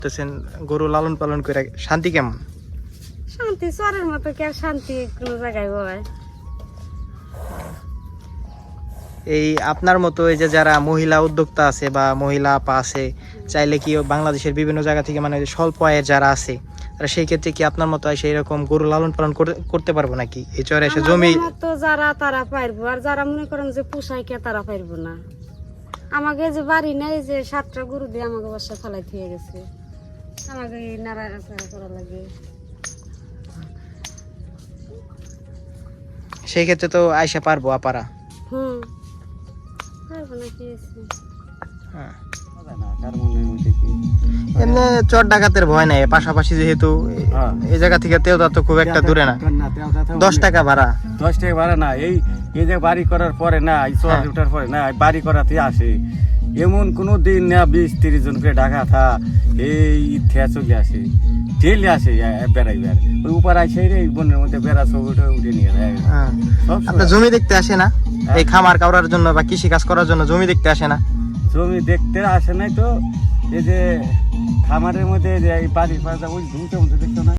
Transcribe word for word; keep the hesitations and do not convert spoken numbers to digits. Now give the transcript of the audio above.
করতেছেন গরু লালন পালন করে শান্তি কেমন? শান্তি চরের মতো কি আর শান্তি কোনো জায়গায় হয়? এই আপনার মতো এই যে যারা মহিলা উদ্যোক্তা আছে বা মহিলা আপা আছে, চাইলে কি বাংলাদেশের বিভিন্ন জায়গা থেকে মানে স্বল্প আয়ের যারা আছে তারা সেই ক্ষেত্রে কি আপনার মতো এসে এরকম গরু লালন পালন করে- করতে পারবো নাকি এই চরে এসে জমি? আমাদের মতো যারা তারা পারবো, আর যারা মনে করেন যে পোষায় কে তারা পারবো না। আমাকে যে বাড়ি নেই যে সাতটা গরু দিয়ে আমাকে বাসা ফেলাই দিয়ে গেছে, আমাকে এই নাড়াচাড়া করা লাগে। সেই ক্ষেত্রে তো আইসা পারবো আপারা। হুম, পারবো না কি আছে? হ্যাঁ। এমনি চর ডাকাতের ভয় নাই, পাশাপাশি যেহেতু হ্যাঁ। এই জায়গা থেকে তেওদা তো খুব একটা দূরে না। দশ টাকা ভাড়া। দশ টাকা ভাড়া না, এই এই যে বাড়ি করার পরে না, এই চর হ্যাঁ। উঠার পরে না, এই বাড়ি করাতে আসে এমন কোনো দিন না বিশ তিরিশ জন করে ডাকা থা এই ইথে চলে আসে, ডেলি আসে বেড়াই বেড় ওই উপর আসে রে বনের মধ্যে বেড়া সব উঠে উঠে নিয়ে যায় হ্যাঁ। সব আপনার জমি দেখতে আসে না? এই খামার কাউরার জন্য বা কৃষি কাজ করার জন্য জমি দেখতে আসে না? জমি দেখতে আসে নাই তো, এই যে খামারের মধ্যে যে এই বাড়ির পাশে ওই ধুমতে মধ্যে দেখতো না।